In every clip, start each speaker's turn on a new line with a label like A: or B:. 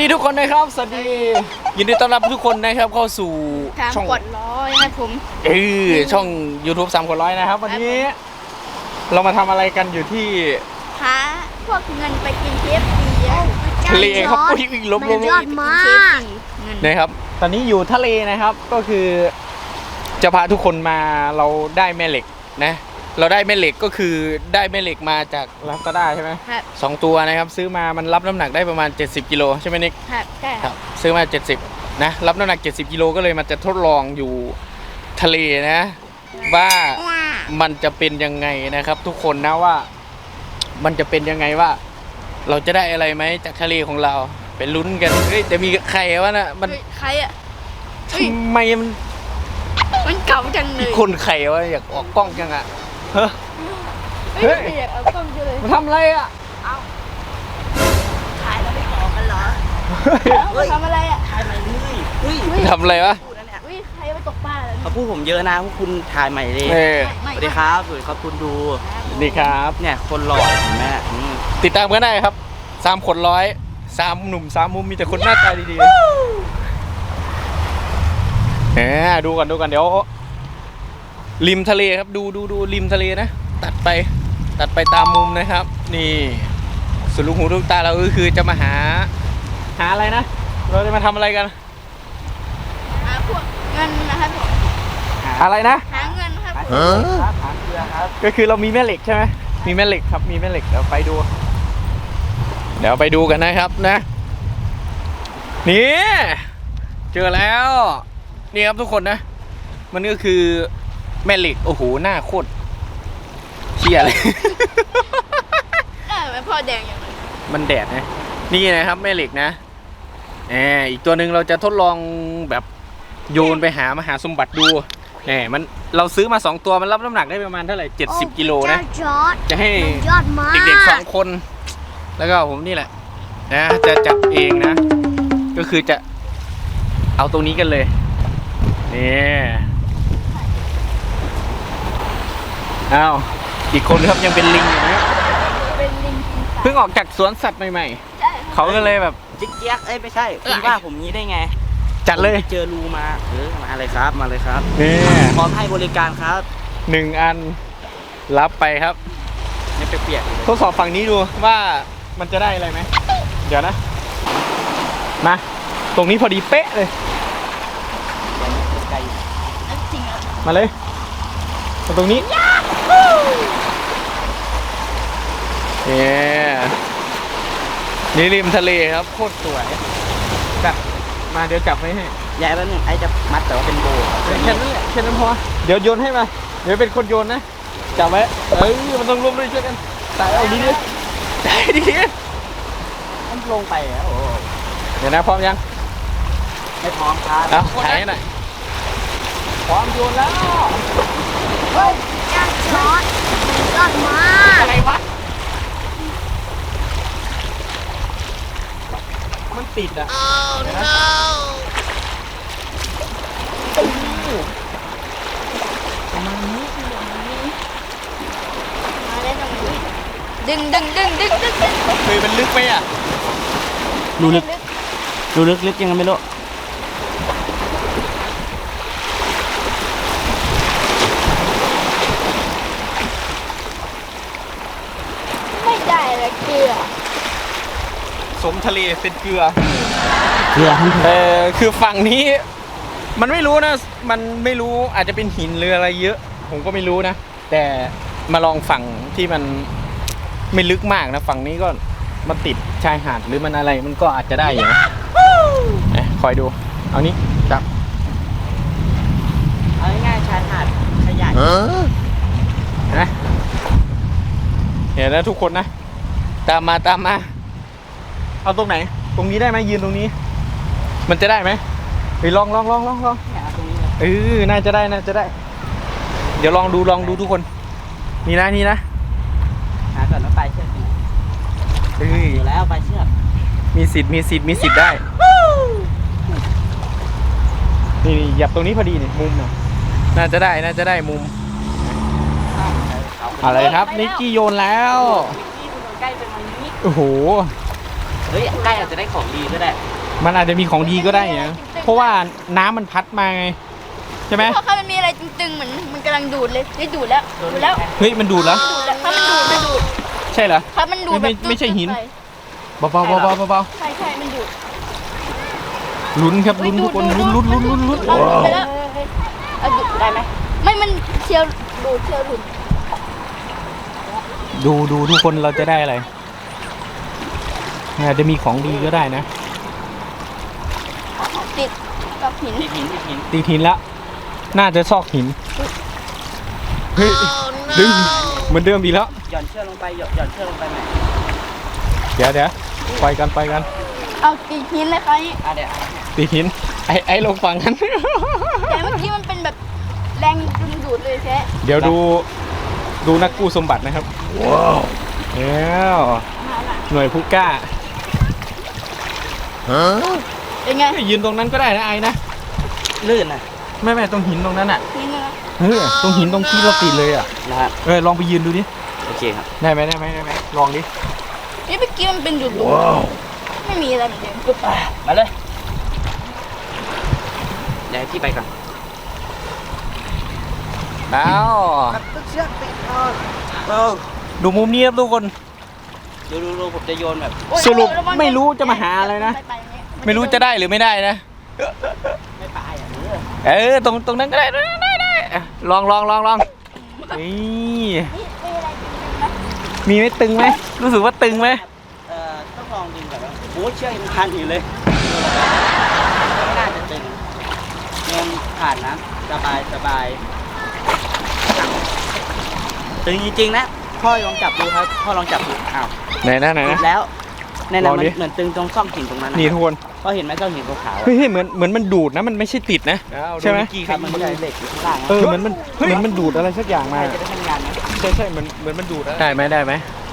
A: ดีทุกคนนะครับสวัสดียินดีต้อนรับทุกคนนะครับเข้าสู่ช่อง
B: กดร้อยนะผม
A: ช่อง YouTube 3 คนร้อยนะครับวันนี้เรามาทำอะไรกันอยู่ที่
B: หาพวกเงินไปกินเคฟซี
A: ทะเลครับอุ้ยลบ
B: ยอดมาก
A: นะครับตอนนี้อยู่ทะเลนะครับก็คือจะพาทุกคนมาเราได้แม่เหล็กนะเราได้แม่เหล็กก็คือได้แม่เหล็กมาจากลาซาด้าใช่ไหม2 ตัวนะครับซื้อมามันรับน้ำหนักได้ประมาณ70 กิโลใช่ไหมนิก
B: ครับใช่
A: ครับซื้อมา70นะรับน้ำหนัก70 กิโลก็เลยมันจะทดลองอยู่ทะเลนะว่ามันจะเป็นยังไงนะครับทุกคนนะว่ามันจะเป็นยังไงว่าเราจะได้อะไรไหมจากทะเลของเราไปลุ้นกันเฮ้ยแต่มีใครวะน่ะมัน
B: ใครอ่ะ
A: ทำไม
B: มันเก่าจังเลย
A: คนใครวะอยากออกกล้องจังอ่ะ
B: เฮ้ยอยากเอากล้องเลย
A: มาทำอะไรอ่ะ
B: เอาถ่ายแล้วไม่ต่อกันเหรอทำอะไรอ่ะ
C: ถ่ายใหม่เลย
A: ทำอะไรวะ
B: ใครมาตกปลาเลย
C: เขาพูดผมเยอะนะพวกคุณถ่ายใหม่เลยสวัสดีครับสวัสดีครับคุณดู
A: สวัสดีครับ
C: เนี่ยคนหล่อเห็นไหม
A: ติดตามกันได้ครับ3 คนร้อย3 หนุ่ม3 มุมมีแต่คนหน้าตาดีๆดูกันเดี๋ยวริมทะเลครับดูริมทะเลนะตัดไปตามมุมนะครับนี่สุดลูกหูลูกตาเราก็คือจะมาหาอะไรนะเราจะมาทำอะไรกัน
B: หาพวกเงินนะครับผม
A: อะไรนะ
B: หาเงินครับ
C: หาเกลือครับ
A: ก็คือเรามีแม่เหล็กใช่ไหมมีแม่เหล็กครับมีแม่เหล็กเดี๋ยวไปดูกันนะครับนะนี่เจอแล้วนี่ครับทุกคนนะมันก็คือแม่เหล็กโอ้โหหน้าโคตรเชี่ยเลย
B: มันพอแดงอย่างไร
A: มันแดดนะนี่นะครับแม่เหล็กนะอีกตัวหนึ่งเราจะทดลองแบบโยนไปหามหาสมบัติดูมันเราซื้อมา2 ตัวมันรับน้ำหนักได้ประมาณเท่าไหร่70 กิโลนะจะให้เด็กๆ2 คนแล้วก็ผมนี่แหละนะจะจับเองนะก็คือจะเอาตรงนี้กันเลยนี่อ้าวอีกคนครับยังเป็นลิงอยู่นะเพิ่งออกจากสวนสัตว์ใหม่ๆเขาก็เลยแบบ
C: จิ๊กเจี๊ยกไม่ใช่คุณว่าผมนี้ได้ไง
A: จัดเลย
C: เจอรูมามาเลยครับมาเลยครับพร้อมให้บริการครับ
A: 1 อันรับไปครับ
C: ไม่เปียก
A: ทดสอบฝั่งนี้ดูว่ามันจะได้อะไรไหมเดี๋ยวนะมาตรงนี้พอดีเป๊ะเลยมาเลยมาตรงนี้นี่ริมทะเลครับโคตรสวยจับมาเดี๋ยวจับไว้ให้
C: ใหญ่แล้วนึงไอ้จะมัดแต่ว่าเป็นโบ
A: แค่นั้นแหละแค่นั้นพอเดี๋ยวโยนให้มาเดี๋ยวเป็นคนโยนนะจับไว้มันต้องร่วมด้วยช่วยกันแต่เอาดี
C: มันลงไปแล้ว
A: เดี๋ยวนะพร้อมยัง
C: ไม่พร้อมครับ
A: เอาถ่ายหน่อยพร้อมโยนแล้ว
B: เฮ้ยยอดมาก
A: อะไรวะมันติดอ่ะ
B: ประมาณนี้มาได้ตรงนี้ดึง
A: เคยมันลึกไหมอ่ะ
C: ดูลึกยังไงไม่รู้
B: ไม่ได้ละเกลือ
A: สมทะเลเป็นเกลือ
C: คือ
A: ฝั่งนี้มันไม่รู้นะมันไม่รู้อาจจะเป็นหินหรืออะไรเยอะผมก็ไม่รู้นะแต่มาลองฝั่งที่มันไม่ลึกมากนะฝั่งนี้ก็มันติดชายหาดหรือมันอะไรมันก็อาจจะได้อยู่นะคอยดูเอานี้จับ
C: เอาง่ายๆชายหาดขยาย
A: นะเห็นแล้วทุกคนนะตามมาเอาตรงไหนตรงนี้ได้ไหมยืนตรงนี้มันจะได้ไหมไปลองน่าจะได้เดี๋ยวลองดูทุกคนนี่นะ
C: หาก่อนแล้วไปเชือกอยู่แล้วไปเชือก
A: มีสิทธิ์ได้นี่หยับตรงนี้พอดีนี่มุมน่าจะได้มุมอะไรครับนิกกี้โยนแล้ว
C: ใกล้ไปทางนี้
A: โอ้โห
C: เฮ้ยใกล้อาจจะได้ของดีก็ได้
A: มันอาจจะมีของดีก็ได้นะเพราะว่าน้ำมันพัดมาไงใช่ไหม
B: เพราะเขามันมีอะไรตึงๆเหมือนมันกำลังดูดเลยได้ดูดแล้วดูดแล้ว
A: เฮ้ยมันดูดแล้ว
B: ดูดแล้วถ้ามันดูดมันดูด
A: ใช่เหรอ
B: ถ้ามันดูด
A: ไม่ใช่หิน
B: ไป
A: เบาๆเบาๆเบา
B: ใช่ใช่มันดูด
A: ๆลุ้นครับลุ้นทุกคนลุ้น
B: เอาดูดไปแล้วเอาดูดได้ไหมไม่มันเชียวดูดเชียวดูด
A: ดูทุกคนเราจะได้อะไรอาจจะมีของดีก็ได้นะ
B: ติดกับหิน
C: ติดหิน
A: ตีหินแล้วน่าจะซอกหินเฮ้ยดึงเหมือนเดิมดีแล้ว
C: หย่อนเชือกลงไปหย่อนเชือกลงไปใหม่
A: เดี๋ยวไปกัน
B: เอาติดหินเลยครับ
C: เดี๋ยว
A: ตีหินไอ้ลงฝั่งนั้น
B: แต่เมื่อกี้มันเป็นแบบแรงดึงดูดเลยแค่
A: เดี๋ยวดูนักกู้สมบัตินะครับว้าวแล้ว
B: มาละ
A: หน่วยผู้กล้า
B: เป็นไง
A: ยืนตรงนั้นก็ได้นะไอ้นะ
C: ลื่นนะ
A: ไม่ตรงหินตรงนั้นอ่ะ
B: หินนะ
A: ตรงหินตรงที่เราติดเลยอ่ะ
C: นะฮะ
A: ลองไปยืนดูดิ
C: โอเคครับ
A: ได้ไหมลองดิ
B: นี่เมื่อกี้มันเป็นดูดไม่มีอะไรเหมือนเดิม
C: มาเลยเดี๋ยวให้พี่ไปก่อน
A: แล้ว
C: เชือกติดคอ
A: ดูมุมนี้ครับทุกคน
C: ดูผมจะโยนแบบ
A: สรุปไม่รู้จะมาหาอะไรนะ ไม่รู้จะได้หรือไม่ได้นะ
C: ไม่ปลายอ่ะ
A: ตรงนั้นก็ได้ลองนี่มีไหมตึงไหมรู้สึกว่าตึงไหม
C: ต้องลองดึงก่อนว่าโอ้เชือกยังพันอยู่เลยไม่น่าจะตึงยังผ่านนะสบายตึงจริงๆนะพ่อลองจับดูครับพ่อลองจับดูอ้าว
A: ไหนนะ
C: ติดแล้วนั่น
A: ล
C: น่ะ
A: อง
C: มัน
A: ดิ
C: เหมือนตึงตรงซ่องหินตรงนั้น
A: นี่ทุกคน
C: พ่อเห็นไหมซ่องหินขาวๆ
A: เฮ้ยเหมือนมันดูดนะมันไม่ใช่ติดนะใช่ไหม
C: ครับมันมีเหล็กอยู่ข้างล่างนะ
A: เหมือนมันดูดอะไรสักอย่างมา
C: จะได้ทำงานนะ
A: ใช่เหมือนมันดูดได้ไหม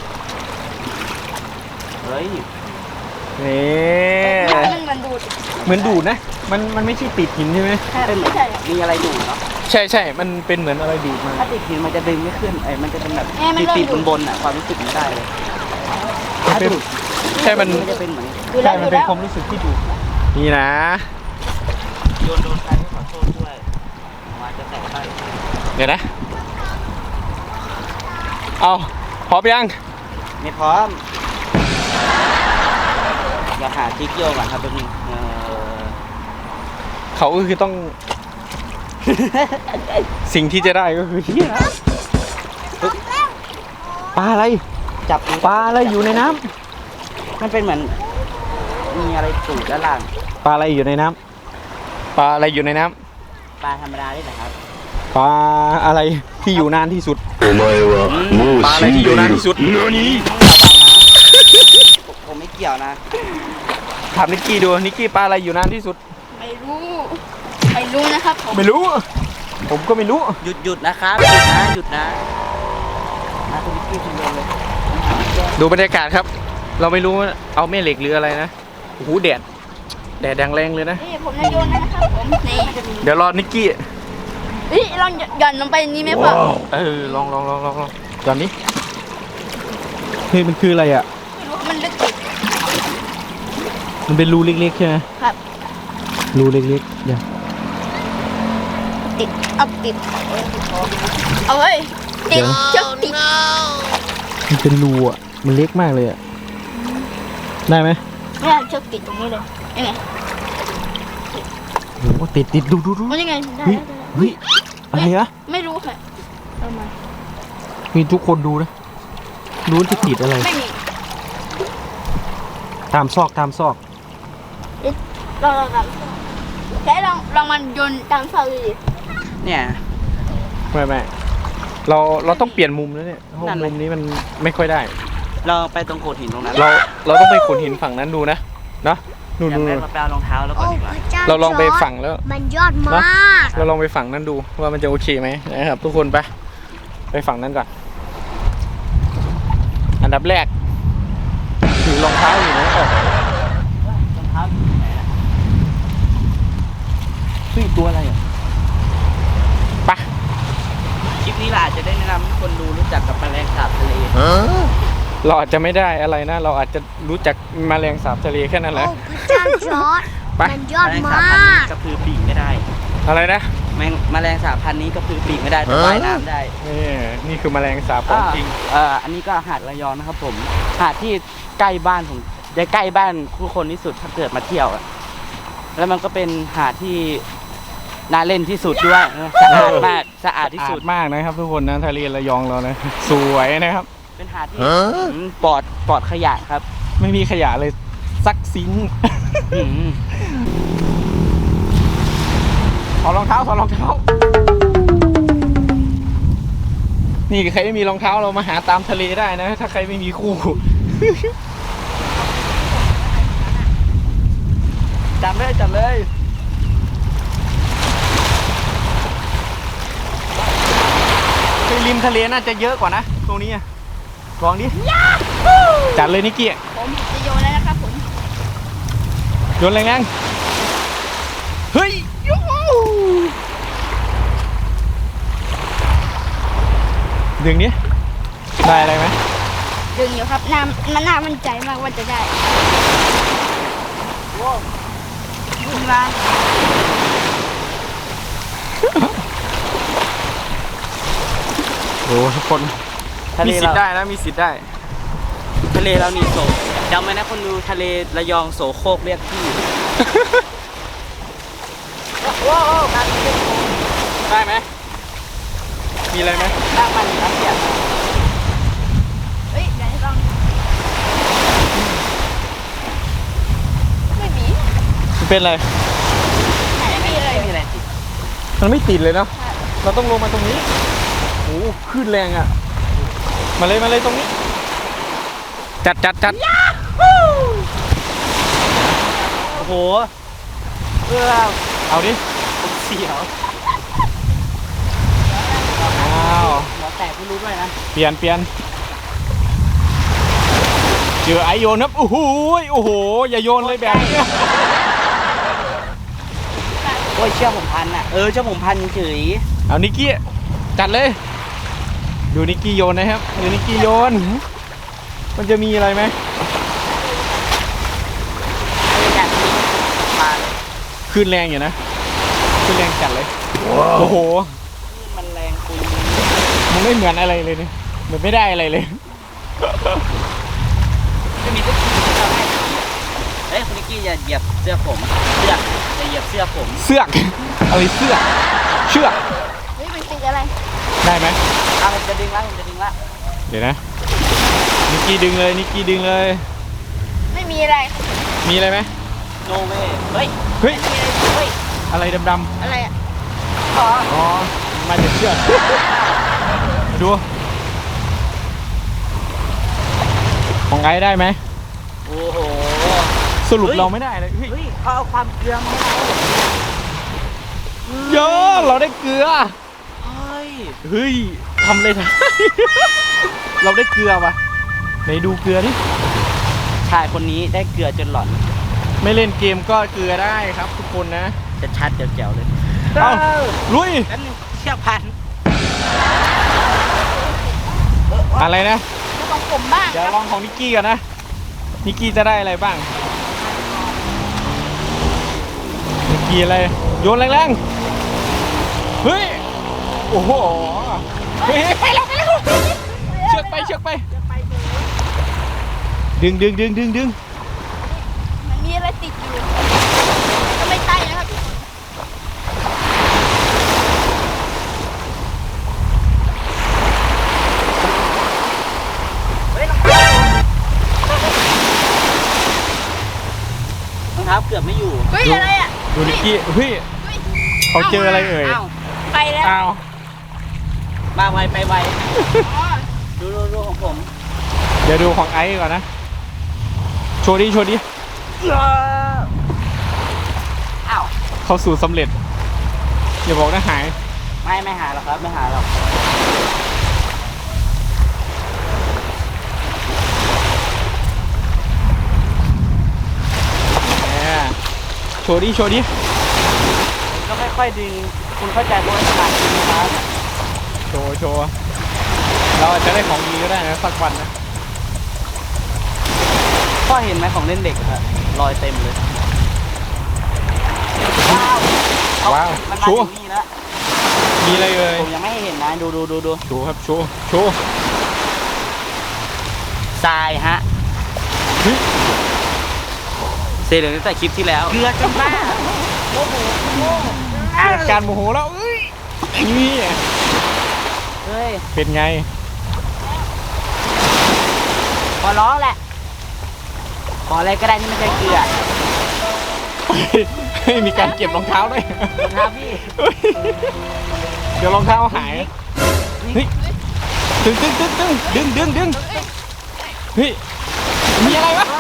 C: เฮ้ย
A: นี่
B: มันเหมือนดูด
A: เหมือนดูดนะมันไม่ใช่ติดหินใช่ไหม
B: ไม่ใช่
C: มีอะไรดูดเนาะ
A: ใช่ มันเป็นเหมือนอะไรดูดมา
C: ถ้าติดหินมันจะดึงไม่ขึ้นมันจะเป็นแบบติดบนๆอ่ะความรู้สึกไม่ได้เลยถ้าดูด
A: ใช่มัน
C: จะเป็นเหมือน
B: ดูแล้
A: ใช่
B: ว
A: มัน
B: ดู
A: เป็น
B: แล้ว
A: ความรู้สึกที่ดูดนี่นะ
C: โดนใครก็ขอโทษด้วยมาจะแตกไป
A: เดี๋ยวนะเอาพร้อมยัง
C: ไม่พร้อมอย่าหาจิ๊กโยก่อนครับแป๊บนึง
A: เขาก็คือต้อง สิ่งที่จะได้ก็คือปลาอะไร
C: จับ
A: ปลาอะไรอยู่ในน้ำ
C: มันเป็นเหมือนมีอะไรสูดด้านล่าง
A: ปลาอะไรอยู่ในน้ำปลาอะไรอยู่ในน้ำ
C: ปลาธรรมดาได้ไหมครับ
A: ปลาอะไรที่อยู่นานที่สุด ปลาอะไรที่อยู่นานที่สุด
C: ผมไม่เกี่ยวนะ
A: ถามนิกกี้ดูนิกกี้ปลาอะไรอยู่นานที่สุด
B: ไม่รู้นะครับผม
A: ไม่รู้ ผมก็ไม่รู้
C: หยุดนะครับหยุดนะคุณพี่คุณโยนเลย
A: ดูบรรยากาศครับ เราไม่รู้ว่าเอาแม่เหล็กหรืออะไรนะโอ้โหแดดแรงเลยนะ
B: นี่ผมจะโยนนะครับผมนี่
A: เดี๋ยวรอนิกกี้
B: ลองหย่อนลงไปนี้ไหมพ่อ
A: ลองตอนนี้เฮ้ยมันคืออะไรอ่ะ
B: ไม่รู้มันลึกติด
A: มันเป็นรูเล็กๆใช่ไหม
B: ครับ
A: รูเล็กๆเดี๋ยว
B: ติดเอาติดเอาเว้ยติดเชือกติด
A: มันเป็นรูอ่ะมันเล็กมากเลยอ่ะได้ไหม
B: ไม่ได้เชือกติดตรงนี้เลยยังไง
A: โอ้โหติดดู
B: มันยังไงได้
A: เฮ้ยอะไรอะ
B: ไม่รู้ค่ะเอามา
A: มีทุกคนดูนะรู้จะติดอะไร
B: ไม่มี
A: ตามซอก
B: ลองแค่ลองมันโยนตามเสาดูดิ
C: เนี่ย
A: ไม่เราต้องเปลี่ยนมุมแล้วเนี่ยเพราะ
C: นั่นเลย
A: มุมนี้มันไม่ค่อยได้
C: เราไปตรงโขดหินตรงนั้น
A: เราต้องไปขนหินฝั่งนั้นดูนะเนาะนู่น
C: อยากได้มาแปลรองเท้าแล้วก่อนดีกว่า
A: เราลองไปฝั่งแล้ว
B: มันยอดมาก
A: เราลองไปฝั่งนั้นดูว่ามันจะโอเคไหมนะครับทุกคนไปฝั่งนั้นก่อน อันดับแรกถือรองเท้าอยู่นะ
C: รองเท้าอยู่ไหนอะ
A: เฮ้ยตัวอะไรอ่ะปะ
C: คลิปนี้เราอาจจะได้แนะนำให้คนดูรู้จักกับแมลงสาบทะเล
A: เราอาจจะไม่ได้อะไรนะ เราอาจจะรู้จักแมลงสาบทะเลแค่นั้นแหละ
B: โอ้พระเจ้าจอร์ด
A: ไป
B: มันยอด
C: แมลง
B: มา
C: สาบพันธุ์นี้
B: ก
C: ก็คือปีกไม่ได้
A: อะไรนะ
C: แมลงสาบพันธุ์นี้ก็คือปีกไม่ได้แต่ว่ายน้ำได้
A: นี่คือแมลงสาบของจริง
C: อันนี้ก็หาดระยองนะครับผมหาดที่ใกล้บ้านผมจะใกล้บ้านผู้คนที่สุดถ้าเกิดมาเที่ยวอะแล้วมันก็เป็นหาดที่น่าเล่นที่สุดด้วยสะอาดมากสะอาดที่สุด
A: มากนะครับทุกคนนะทะเลระยองเรานะสวยนะครับ
C: เป็นหาดที่ปลอดขยะครับ
A: ไม่มีขยะเลยสักซิง
C: อืม
A: ถอดรองเท้าถอดรองเท้า นี่ใครไม่มีรองเท้าเรามาหาตามทะเลได้นะ ถ้าใครไม่มีคู่
C: จับเลย
A: ไปริมทะเลน่าจะเยอะกว่านะตรงนี้อะลองดิจัดเลยนิกกี้
B: ผมจะโยนแล้วนะครับผม
A: โยนแรงๆเฮ้ยยูหูดึงนี้ได้อะไรไหม
B: ดึงอยู่ครับมันน่ามั่นใจมากว่าจะได้ดึงมา
A: โอ้ทุกคน
C: ทะเล
A: มีสิทธิ์
C: เรา
A: ได้นะมีสิทธิ์ได้
C: ทะเลเรานี่โสจำไว้นะคนดูทะเลระยองโสโครกเรียกพี่ ว้าวการเล่น
A: ได้ไหมมีอะไรไหม
C: ตั้งมันครับเสีย
B: เฮ้ยเดี๋ยวให้ลองไม่มี
A: มันเป็นอะไร
B: ไม่มีเลย
C: ไม่มีอะไรติด
A: มันไม่ติดเลยเนาะเราต้องลงมาตรงนี้โอ้คลื่นแรงอ่ะมาเลยตรงนี้จัด
C: โอ้โห
A: เอาดิ
C: ผมเสียว
A: อ้าว
C: หัวแตกไม่รู้ด้วยนะ
A: เปลี่ยนเจอไอโยนครับโอ้โหอย่าโยนเลยแบบนี้
C: โอ้ยเชื่อผมพันอ่ะเชื่อผมพันเฉย
A: เอานิกกี้จัดเลยดูนิกกี้โยนนะครับดูนิกกี้โยนมันจะมีอะไรไหม
C: มาเลย
A: คลื่นแรงอยู่นะคลื่นแรงจัดเลยโอ้โห
C: มันแรงคุย
A: มันไม่เหมือนอะไรเลยเนี่ยเหมือนไม่ได้อะไรเลย
C: จะมีทุกทีที่ทำให้เฮ้ยคุณนิกกี้อย่าเหยียบเสื้อผมอย่าเหยียบเสื้อผม
A: เสือกอะไรเสือกเชือก
B: เฮ้ยมันติดอะไร
A: ได้ไหม
C: ผมจะดึงละ
A: เดี๋ยวนะนิกกี้ดึงเลย
B: ไม่มีอะไร
A: มีอะไรไหม
C: โนเว่เฮ้ย
A: เฮ้ย
C: เฮ้ย
A: อะไรดำ
B: อะไรอ่ะ
C: ขอ
A: ๆอ๋อมาจากเชือกมาดูของไอ้ได้ไหม
C: โอ้โห
A: สรุปเราไม่ได้เลยเฮ้ย
C: เฮ้ยเขาเอาความเกลือมาให้เรา
A: เยอะเราได้เกลือ
C: เฮ้ย
A: ทำเลยนะ เราได้เกลือป่ะไหนดูเกลือดิ
C: ชายคนนี้ได้เกลือจนหลอน
A: ไม่เล่นเกมก็เกลือได้ครับทุกคนนะ
C: จะชัดแจ๋วๆเลย
A: เอาลุย
C: แป๊บนึงเชือกพัน
A: อะไรนะ
B: แล้วของผมบ้าง
A: เดี๋ยวลองของนิกกี้ก่อนนะ นิกกี้จะได้อะไรบ้าง นิกกี้อะไร โยนแรงๆ เฮ้ย โอ้โห เฮ้ยไปแล้วเชือกไป ดึง
B: มันมีอะไรติดอยู่ก็ไม่ใช่นะครับ
C: รองเท้าเกือบไม่อยู่
B: เฮ้ยอะไรอ่ะ
A: ดูนิกกี้ เฮ้ย เขาเจออะไรเอ่ย
C: อ้าว
B: ไปแล้ว
A: อ้าว
C: มาไวไปไว
B: อ๋อ
C: ดูของผม
A: เดี๋ยวดูของไอซ์ก่อนนะ โชว์ดิ
C: อ้าว
A: เข้าสู่สำเร็จ อย่าบอกนะหาย
C: ไม่หาหรอกครับไม่หาหรอก
A: โชว์ดิ
C: ก็ค่อยๆดึงคุณเข้าใจโบราณศาสตร์ไหมครับ
A: โชว์ เราอาจจะได้ของดีก็ได้นะสักวันนะ
C: พ่อเห็นไหมของเล่นเด็กครับรอยเต็มเลยว้าว
A: ว้าว
C: มันมา
A: ชู
C: ถึงนี่แล้ว
A: มีอะไรเลย
C: ผมยังไม่ให้เห็นนะดู
A: ชูครับชูชู
C: ทรายฮะ
A: เฮ้ย
C: เซเหลืองตั้งแต่คลิปที่แล้วเกลือจนบ้าโอ้โห
A: เกิดการโมโหแล้วเอ้ยนี่
C: เฮ้ย
A: เป็นไง
C: ขอร้องแหละขออะไรก็ได้ที่ไม่ใช่เกลือ
A: เฮ้ยมีการเก็บรองเท้าด้วย
C: ครับพี่
A: เดี๋ยวรองเท้าหายเฮ้ยดึงเฮ้ยมีอะไรวะ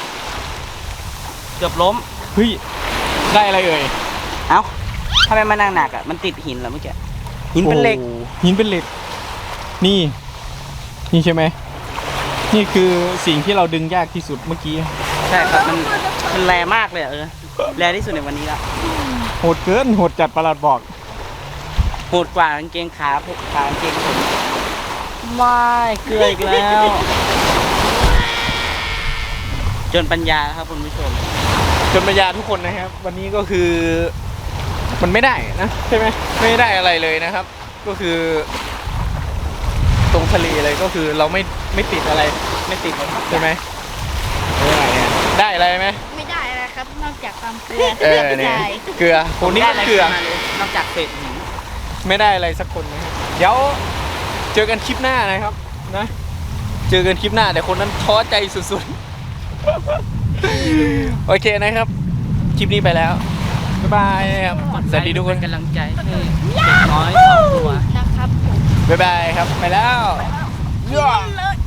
C: เกือบล้ม
A: เฮ้ยได้อะไรเอ่ย
C: เอ้าทำไมมันหนักอ่ะมันติดหินเหรอเมื่อกี้หินเป็นเหล็ก
A: โอ้หินเป็นเหล็กนี่ใช่ไหมนี่คือสิ่งที่เราดึงยากที่สุดเมื่อกี้
C: ใช่ครับมันแรงมากเลยอะแรงที่สุดในวันนี้ละ
A: โหดเกินโหดจัดประหลัดบอก
C: โหดกว่ากางเกงขากางเกงผมไม่เกลืออีกแล้ว จนปัญญาครับคุณผู้ชม
A: จนปัญญาทุกคนนะครับ วันนี้ก็คือมันไม่ได้นะใช่ไหมไม่ได้อะไรเลยนะครับ ก็คือ ตรงทะเลเลยก็คือเราไม่ติดอะไรไม่ติดใช่ไหมได้อะไรไหม
B: ไม่ได้อะไรครับ นอกจากความเกลือ
A: เนี่ย
B: ใช่
A: เกลือคนนี้ก็เกลือ
C: นอกจากเศษหิน
A: ไม่ได้อะไรสักคนนะครับเดี๋ยวเจอกันคลิปหน้านะครับนะเจอกันคลิปหน้าแต่คนนั้นท้อใจสุดๆ โอเคนะครับ คลิปนี้ไปแล้วบ๊ายบายครับสวัสดีทุกคน
C: เป็นกำลังใจให้เด็กน้อยสองตัว
B: นะครับผม
A: บ๊ายบายครับไปแล้ว
B: เลย